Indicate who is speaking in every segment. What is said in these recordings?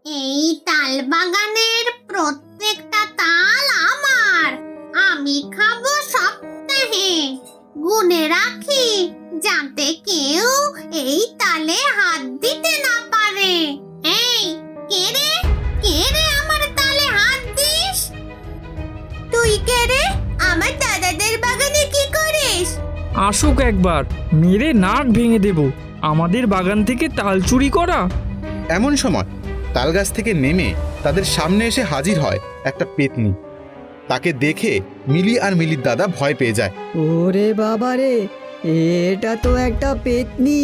Speaker 1: এই তাল বাগানের প্রত্যেকটা তাল আমার। আমি খাবো সপ্তাহে, গুনে রাখি যাতে কেউ এই তালে হাত দিতে না পারে। এই কে রে, কে রে আমার তালে হাত দিস? তুই কে রে? আমার দাদাদের বাগানে কি করিস?
Speaker 2: আসুক একবার, মেরে নাক ভেঙে দেব। আমাদের বাগান থেকে তাল চুরি করা।
Speaker 3: এমন সময় তালগাছ থেকে নেমে তাদের সামনে এসে হাজির হয় একটা পেতনি। তাকে দেখে মিলি আর মিলির দাদা ভয় পেয়ে যায়।
Speaker 4: ওরে বাবা রে, এটা তো একটা পেতনি।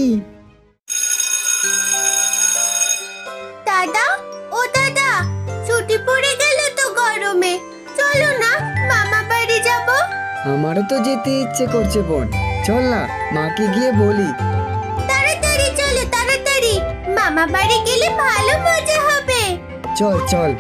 Speaker 1: দাদা, ও দাদা, ছুটি পড়ে গেল তো গরমে, চলো না মামা বাড়ি যাব।
Speaker 4: আমারও তো যেতে ইচ্ছে করছে বোন, চল না মাকে গিয়ে বলি।
Speaker 1: তাড়াতাড়ি চলো, তাড়াতাড়ি, মামা বাড়ি গেলে ভালো মজা হবে।
Speaker 4: চল চল।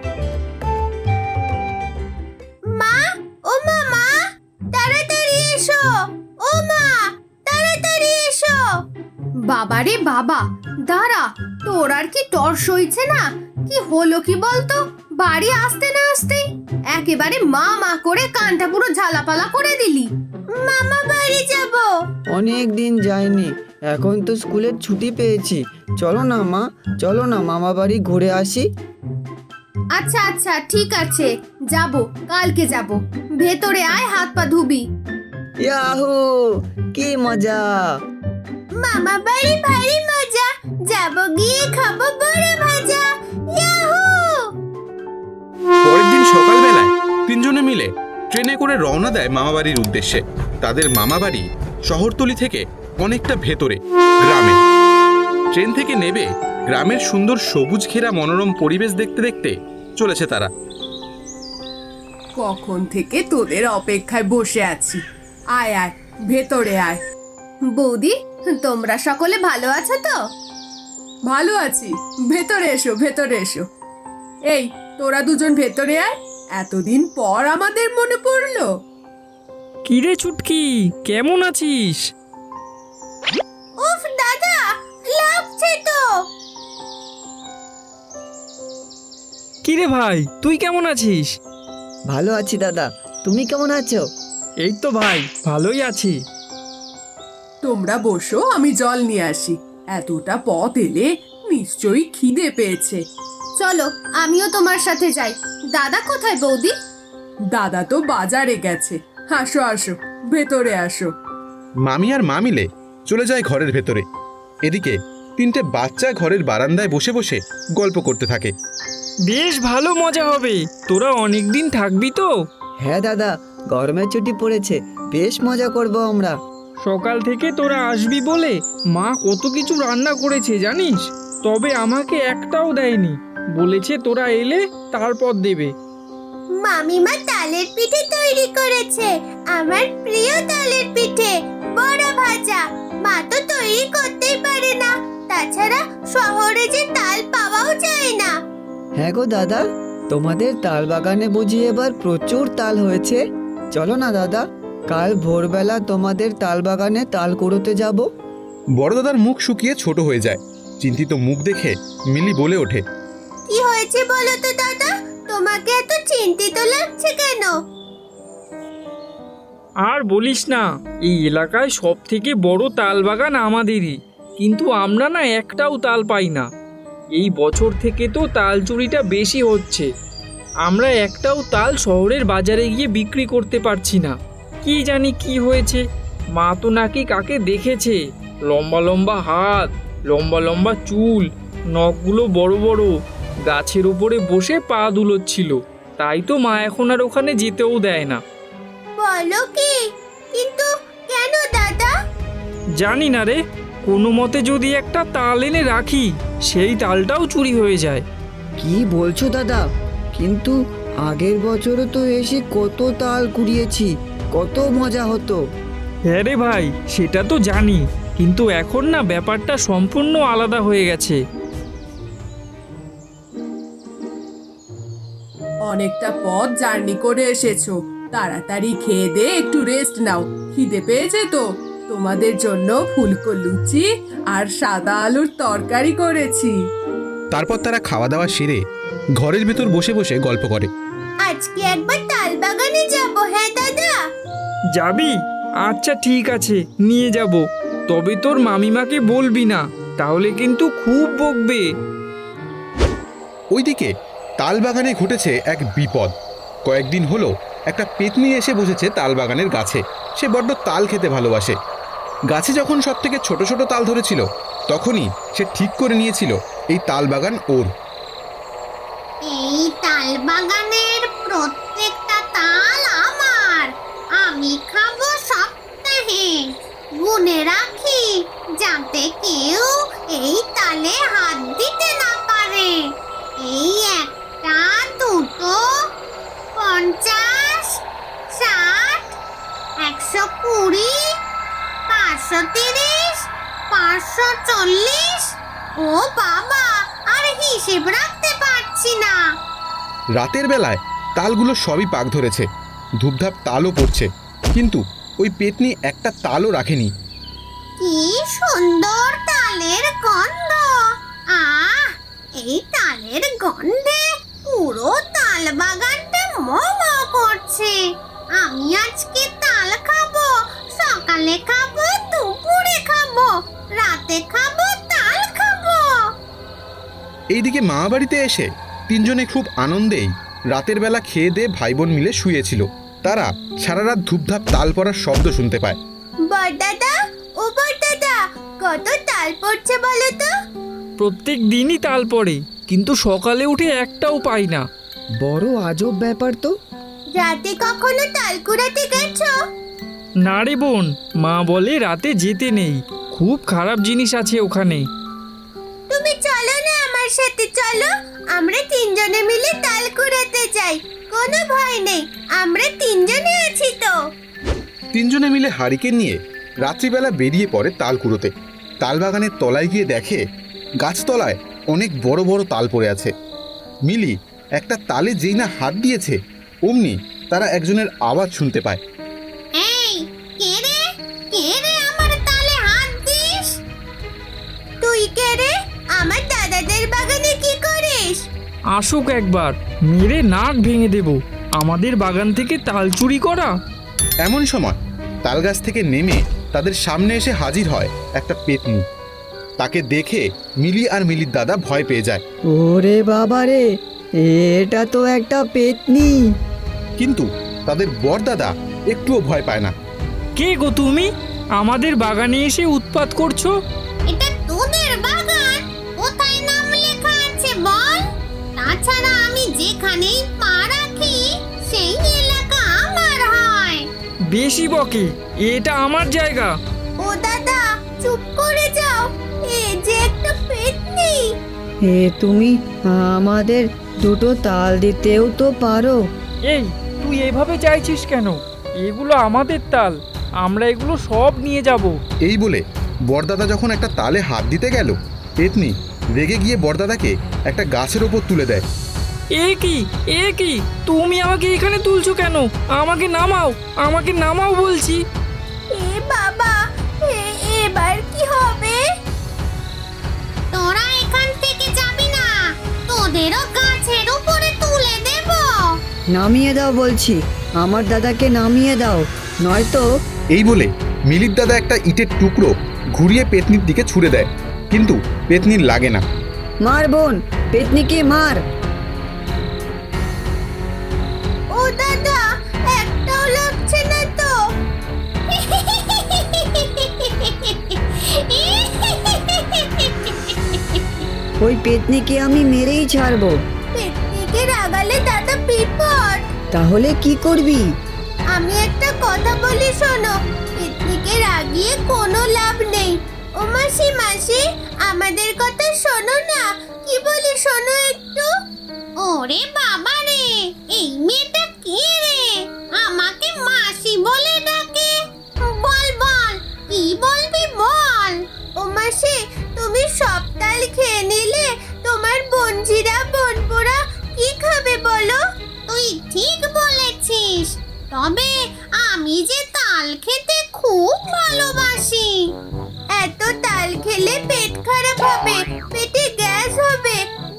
Speaker 1: মা, ও মামা, তাড়াতাড়ি এসো। ও মা, তাড়াতাড়ি এসো। বাবারে বাবা, দাঁড়া, তোর আর কি তর সইছে না? কি হলো কি বলতো? বাড়ি আসতে না আসতেই একেবারে মা মা করে কানটা পুরো ঝালাপালা করে দিলি। মামা বাড়ি যাব।
Speaker 4: অনেক দিন যাইনি, এখন তো স্কুলের ছুটি পেয়েছি। চলো না মা, চলো না মামা বাড়ি ঘুরে আসি।
Speaker 1: আচ্ছা আচ্ছা, ঠিক আছে, যাব, কালকে যাব। ভেতরে আয়, হাত পা ধুবি।
Speaker 4: ইয়াহু, কি মজা!
Speaker 1: মামা বাড়ি ভারী মজা, যাব গিয়ে খাবো বড় ভাজা। ইয়াহু!
Speaker 3: পরের দিন সকালবেলায় তিনজনে মিলে ট্রেনে করে রওনা দেয় মামাবাড়ির উদ্দেশ্যে। তাদের মামাবাড়ি শহরতলি থেকে অনেকটা ভেতরে, গ্রামে। ট্রেন থেকে নেবে গ্রামের সুন্দর সবুজ ঘেরা মনোরম পরিবেশ দেখতে দেখতে চলেছে তারা।
Speaker 5: কখন থেকে তোদের অপেক্ষায় বসে আছি। আয় আয়, ভেতরে আয়।
Speaker 1: বৌদি, তোমরা সকলে ভালো আছো তো?
Speaker 5: ভালো আছি, ভেতরে এসো, ভেতরে এসো। এই, তোরা দুজন ভেতরে আয়। এতদিন পর আমাদের মনে পড়লো।
Speaker 2: কিরে চুটকি, কেমন আছিস?
Speaker 1: উফ দাদা, লাগছে তো।
Speaker 2: কিরে ভাই, তুই কেমন আছিস?
Speaker 4: ভালো আছি দাদা, তুমি কেমন আছো?
Speaker 2: এই তো ভাই, ভালোই আছি।
Speaker 5: তোমরা বসো, আমি জল নিয়ে আসি। এতটা পথ এলে নিশ্চয়ই খিদে পেয়েছে।
Speaker 1: চলো, আমিও তোমার সাথে যাই। দাদা কোথায় বৌদি?
Speaker 5: দাদা তো বাজারে গেছে। আসো আসো, ভেতরে আসো।
Speaker 3: মামি আর মা মিলে চলে যায় ঘরের ভেতরে। এদিকে তিনটে বাচ্চা ঘরের বারান্দায় বসে বসে গল্প করতে থাকে।
Speaker 2: বেশ ভালো মজা হবে। তোরা অনেক দিন থাকবি তো?
Speaker 4: হ্যাঁ দাদা, গরমের ছুটি পড়েছে, বেশ মজা করব আমরা।
Speaker 2: সকাল থেকে তোরা আসবি বলে মা কত কিছু রান্না করেছে জানিস? তবে আমাকে একটাও দেয়নি, বলেছে তোরা এলে তারপর দেবে।
Speaker 1: মামিমা তালের পিঠে তৈরি করেছে, আমার প্রিয় তালের পিঠে, বড় ভাজা। মা তো তৈরি করতেই পারে না, তাছাড়া শহরে যে তাল পাওয়াও যায় না।
Speaker 4: হ্যাঁ গো দাদা, তোমাদের তাল বাগানে বুঝি এবার প্রচুর তাল হয়েছে। চলো না দাদা, কাল ভোরবেলা তোমাদের তাল বাগানে তাল কুড়োতে যাব।
Speaker 3: বড় দাদার মুখ শুকিয়ে ছোট হয়ে যায়। চিন্তিত মুখ দেখে মিলি বলে ওঠে,
Speaker 1: কি হয়েছে বলো তো দাদা? তোমাকে এত চিন্তিত লাগছে কেন?
Speaker 2: আর বলিস না, এই এলাকায় সব থেকে বড় তাল বাগান আমাদেরই, কিন্তু আমরা না একটাও তাল পাই না। এই বছর থেকে তো তাল চুরিটা বেশি হচ্ছে। আমরা একটাও তাল শহরের বাজারে গিয়ে বিক্রি করতে পারছি না। কি জানি কি হয়েছে। মা তো নাকি কাকে দেখেছে, লম্বা লম্বা হাত, লম্বা লম্বা চুল, নখগুলো বড় বড়, গাছের উপরে বসে পা দুলোচ্ছিল। তাই তো মা এখন আর ওখানে যেতেও দেয় না।
Speaker 1: বলো কি? কিন্তু কেন দাদা?
Speaker 2: জানি না রে, কোনো মতে যদি একটা তাল এনে রাখি, সেই তালটাও চুরি হয়ে যায়।
Speaker 4: কি বলছো দাদা? কিন্তু আগের বছরও তো এসে কত তাল কুড়িয়েছি, কত মজা হতো।
Speaker 2: হ্যাঁ রে ভাই, সেটা তো জানি, কিন্তু এখন না ব্যাপারটা সম্পূর্ণ আলাদা হয়ে গেছে।
Speaker 5: অনেকটা পথ জার্নি করে এসেছো, তাড়াতাড়ি খেয়ে দে, একটু রেস্ট নাও। খিদে পেয়েছে তো? তোমাদের জন্য ফুলকো লুচি আর সাদা আলুর তরকারি করেছি।
Speaker 3: তারপর তারা খাওয়া দাওয়া সেরে ঘরের ভেতর বসে বসে গল্প করে।
Speaker 1: আজকে একবার তাল বাগানে যাব, হ্যাঁ দাদা?
Speaker 2: যাবি? আচ্ছা ঠিক আছে, নিয়ে যাব। তবে তোর মামিমাকে বলবি না, তাহলে কিন্তু খুব বকবে।
Speaker 3: ওইদিকে তাল বাগানে ঘটেছে এক বিপদ। কয়েকদিন হলো একটা পেতনি এসে বসেছে তাল বাগানের গাছে। সে বড্ড তাল খেতে ভালোবাসে। গাছে যখন সব থেকে ছোট ছোট তাল ধরেছিল, তখনই সে ঠিক করে নিয়েছিল এই তাল বাগান ওর।
Speaker 1: এই তাল বাগানের প্রত্যেকটা তাল আমার। আমি খাবো সপ্তাহে, গুনে রাখি যাতে কেউ এই তালে হাত দিতে না পারে। এই 1, 2, 50, 60, 120, 530, 540। ও বাবা, আর হিসেব রাখতে পারছি না।
Speaker 3: রাতের বেলায় তালগুলো সবই পাক ধরেছে, ধূপধাপ তালও পড়ছে, কিন্তু ওই পেতনি একটা তালও রাখেনি।
Speaker 1: কি সুন্দর তালের গন্ধ! আহ, এই তালের গন্ধে পুরো তাল বাগানটা ম করছে। আমি আজকে তাল খাবো, সকালে খাবো, দুপুরে খাবো, রাতে খাবো, তাল খাবো।
Speaker 3: এইদিকে মামাবাড়িতে এসে তিনজনে খুব আনন্দেই রাতের বেলা খেয়ে দিয়ে ভাই বোন মিলে শুয়েছিল। তারা সারা রাত ধূপধাপ তাল পড়ার শব্দ শুনতে পায়।
Speaker 1: বড়দাদা, ও বড়দাদা, কত তাল পড়ছে বলো তো?
Speaker 2: প্রত্যেক দিনই তাল পড়ে, কিন্তু সকালে উঠে একটাও পাই না।
Speaker 4: বড় আজব ব্যাপার তো।
Speaker 1: রাতে কখনো তাল কুড়াতে গেছো?
Speaker 2: না রে বোন, মা বলে রাতে যেতে নেই, খুব খারাপ জিনিস আছে ওখানে।
Speaker 1: তুমি চলো না আমার সাথে, চলো। আমরা তিনজনে মিলে তাল কুড়াতে যাই, কোনো ভয় নেই, আমরা তিনজনে আছি তো।
Speaker 3: তিনজনে মিলে হারিকেন নিয়ে রাত্রিবেলা বেরিয়ে পড়ে তাল কুড়োতে। তাল বাগানের তলায় গিয়ে দেখে গাছতলায় অনেক বড় বড় তাল পড়ে আছে। মিলি একটা তালে যেই না হাত দিয়েছে, অমনি তারা একজনের আওয়াজ শুনতে পায়।
Speaker 1: এই, কে রে? কে রে আমার তালে হাত দিস? তুই কে রে? আমার দাদাদের বাগানে কি করিস?
Speaker 2: আসুক একবার, মেরে নাক ভেঙে দেব। আমাদের বাগান থেকে তাল চুরি করা?
Speaker 3: এমন সময় তাল গাছ থেকে নেমে তাদের সামনে এসে হাজির হয় একটা পেতনি। তাকে দেখে মিলি আর মিলির দাদা ভয় পেয়ে যায়।
Speaker 4: ওরে বাবা রে, এটা তো একটা পেতনি।
Speaker 3: কিন্তু তাদের বড়দাদা একটুও ভয় পায় না।
Speaker 2: কে গো তুমি? আমাদের বাগানে এসে উৎপাত করছো?
Speaker 1: এটা তোদের বাগান? কোথায় নাম লেখা আছে বল? তাছাড়া আমি যেখানেই পা রাখি সেই এলাকা আমার হয়।
Speaker 2: বেশি বকে, এটা আমার জায়গা।
Speaker 1: ও দাদা, চুপ করে যাও, এ যে একটা পেতনি।
Speaker 4: তুমি আমাদের দুটো তাল দিতেও তো পারো।
Speaker 2: এই, তুই এভাবে চাইছিস কেন? এগুলো আমাদের তাল, আমরা এগুলো সব নিয়ে যাব।
Speaker 3: এই বলে বড়দাদা যখন একটা তালে হাত দিতে গেল, পেতনি রেগে গিয়ে বড়দাদাকে একটা গাছের ওপর তুলে দেয়।
Speaker 2: এ কি তুমি আমাকে এখানে তুলছো কেন? আমাকে নামাও, আমাকে নামাও বলছি।
Speaker 1: এ বাবা, এবার কি হবে? তোরা এখান থেকে যাবি না, তোদেরও গাছের উপরে তুলে দেব।
Speaker 4: নামিয়ে দাও বলছি, আমার দাদাকে নামিয়ে দাও, নয়তো।
Speaker 3: এই বলে মিলির দাদা একটা ইটের টুকরো ঘুরিয়ে পেতনির দিকে ছুঁড়ে দেয়, কিন্তু পেতনির লাগে না।
Speaker 4: মার বোন, পেতনিকে মার।
Speaker 1: ও দাদা, একটাও লাগছে না তো।
Speaker 4: ওই পেতনিকে আমি মেরেই ছাড়বো।
Speaker 1: পেতনিকে রাগালে দাদা বিপদ।
Speaker 4: তাহলে কি করবি?
Speaker 1: আমি একটা কথা বলি শোনো, পেতনিকে রাগিয়ে কোনো লাভ নেই। ও মাসি, মাসি, আমাদের কথা শোনো না, কি বলি শোনো একটু। ওরে বাবা রে, এই মেয়েটা কে রে? আমাকে মাসি বলে ডাকে। বল বল, কি বলবি বল। ও মাসি, তুমি সব তাল খেয়ে নিলে, তোমার বোনঝিরা বোনপোরা কি খাবে বলো? তুই ঠিক বলেছিস, তবে আমি যে তাল খেতে খুব ভালোবাসি। এত তাল খেলে পেট খারাপ হবে, পেটে গ্যাস হবে,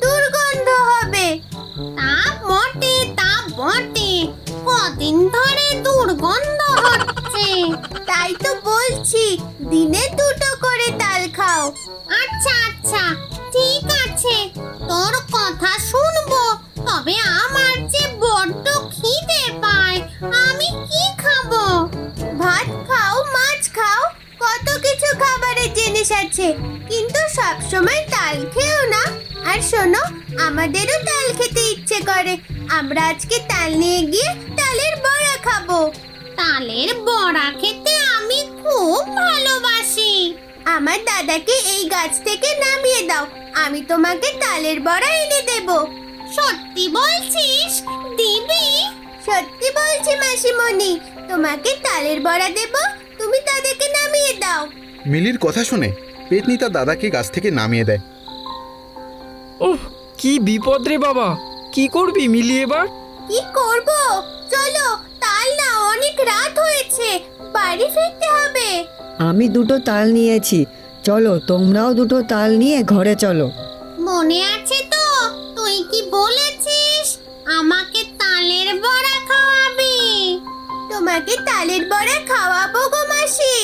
Speaker 1: কদিন ধরে দুর্গন্ধ হচ্ছে। তাই তো বলছি দিনে 2টো করে তাল খাও। আচ্ছা আচ্ছা ঠিক আছে, তোর কথা শুনবো। তবে আমার যে বড্ড খিদে পায়, আমি কি খাবো? ভাত খাও, মাছ খাও, কত কিছু খাবারের জিনিস আছে, কিন্তু সব সময় তাল খেও না। আর শোনো, আমাদেরও তাল খেতে ইচ্ছে করে। আমরা আজকে তাল নিয়ে গিয়ে তালের বড়া খাবো। তালের বড়া খেতে আমি খুব ভালোবাসি। আমার দাদাকে এই গাছ থেকে নামিয়ে দাও, আমি তোমাকে তালের বড়া এনে দেব। সত্যি বলছিস? দিবি? সত্যি বলছি মাসিমণি, তোমাকে তালের বড়া দেব, তুমি তাদেরকে নামিয়ে দাও।
Speaker 3: মিলির কথা শুনে পেতনি তার দাদাকে গাছ থেকে নামিয়ে দেয়।
Speaker 2: ওহ, কি বিপদ রে বাবা! কি করবি মিলি এবার?
Speaker 1: কি করব? চলো, তাল না, অনেক রাত হয়েছে, বাড়ি ফিরতে হবে।
Speaker 4: আমি 2টো তাল নিয়েছি, চলো তোমরাও 2টো তাল নিয়ে ঘরে চলো।
Speaker 1: মনে আছে তো, তুই কি বলেছিস আমাকে তালের বড়া খাওয়াবি? তোমাকে তালের বড়া খাওয়াবো গো মাসি।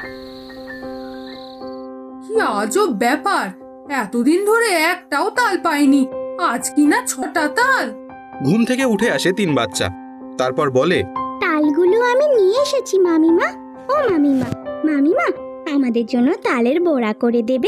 Speaker 5: কি আজব ব্যাপার, এতদিন ধরে একটাও তাল পাইনি, আজ কিনা 6টা তাল।
Speaker 3: ঘুম থেকে উঠে আসে 3 বাচ্চা, তারপর বলে,
Speaker 6: তালগুলো আমি নিয়ে এসেছি মামিমা। ও মামিমা, মামিমা আমাদের জন্য তালের বড়া করে দেবে?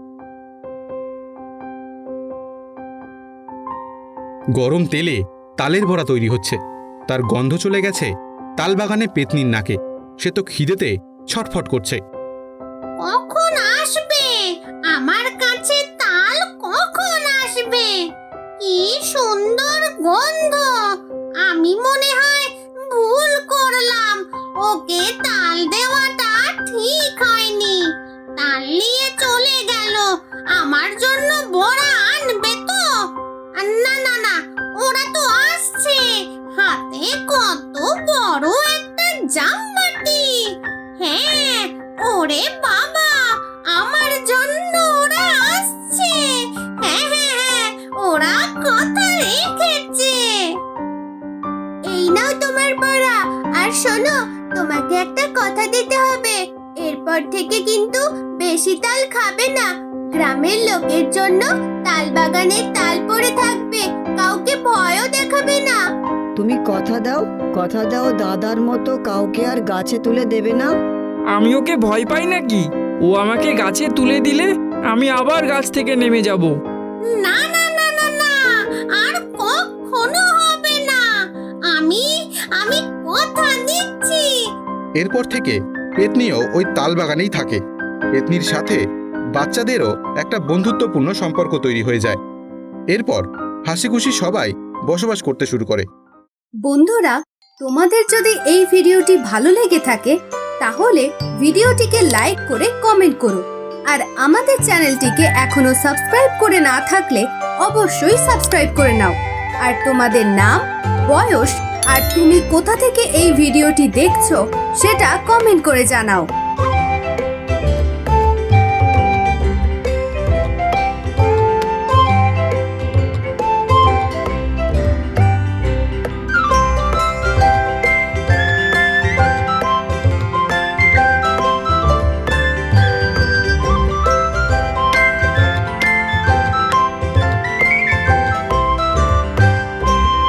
Speaker 3: গরম তেলে তালের বড়া তৈরি হচ্ছে, তার গন্ধ চলে গেছে তাল বাগানে পেতনির নাকে। সে তো খিদেতে ছটফট করছে।
Speaker 1: কখন আসবে আমার কাছে তাল? কখন আসবে? কি সুন্দর গন্ধ! আমি মনে হয় ভুল করলাম, ওকে তাল দেওয়াটা ঠিক হয়নি। তাল নিয়ে চলে গেল, আমার জন্য বড়া আনবে তো? না না না, ওরা তো আসছে, হাতে কত বড় একটা জামবাটি। হ্যাঁ, ওরে বাবা, আমার জন্য ওরা আসছে। হ্যাঁ হ্যাঁ হ্যাঁ, ওরা কথা রেখেছে। এই নাও তোমার বড়া। আর শোনো, তোমাকে একটা কথা দিতে হবে, এরপর থেকে কিন্তু বেশি তাল খাবে না। গ্রামের লোকের জন্য তাল বাগানে তাল পড়ে থাকবে, কাউকে ভয়ও দেখাবে না।
Speaker 4: তুমি কথা দাও দাদার মতো কাউকে আর গাছে তুলে দেবে না।
Speaker 2: আমি ওকে ভয় পাই নাকি? ও আমাকে গাছে তুলে দিলে আমি আবার গাছ থেকে নেমে যাব।
Speaker 1: না না না না না, আর কখনো হবে না। আমি আমি কথা দিচ্ছি।
Speaker 3: এরপর থেকে পেতনিও ওই তাল বাগানেই থাকে। পেতনির সাথে বাচ্চাদেরও একটা বন্ধুত্বপূর্ণ সম্পর্ক তৈরি হয়ে যায়। এরপর হাসি খুশি সবাই বসবাস করতে শুরু করে।
Speaker 5: বন্ধুরা, তোমাদের যদি এই ভিডিওটি ভালো লেগে থাকে তাহলে ভিডিওটিকে লাইক করে কমেন্ট করো। আর আমাদের চ্যানেলটিকে এখনো সাবস্ক্রাইব করে না থাকলে অবশ্যই সাবস্ক্রাইব করে নাও। আর তোমাদের নাম, বয়স আর তুমি কোথা থেকে এই ভিডিওটি দেখছো সেটা কমেন্ট করে জানাও।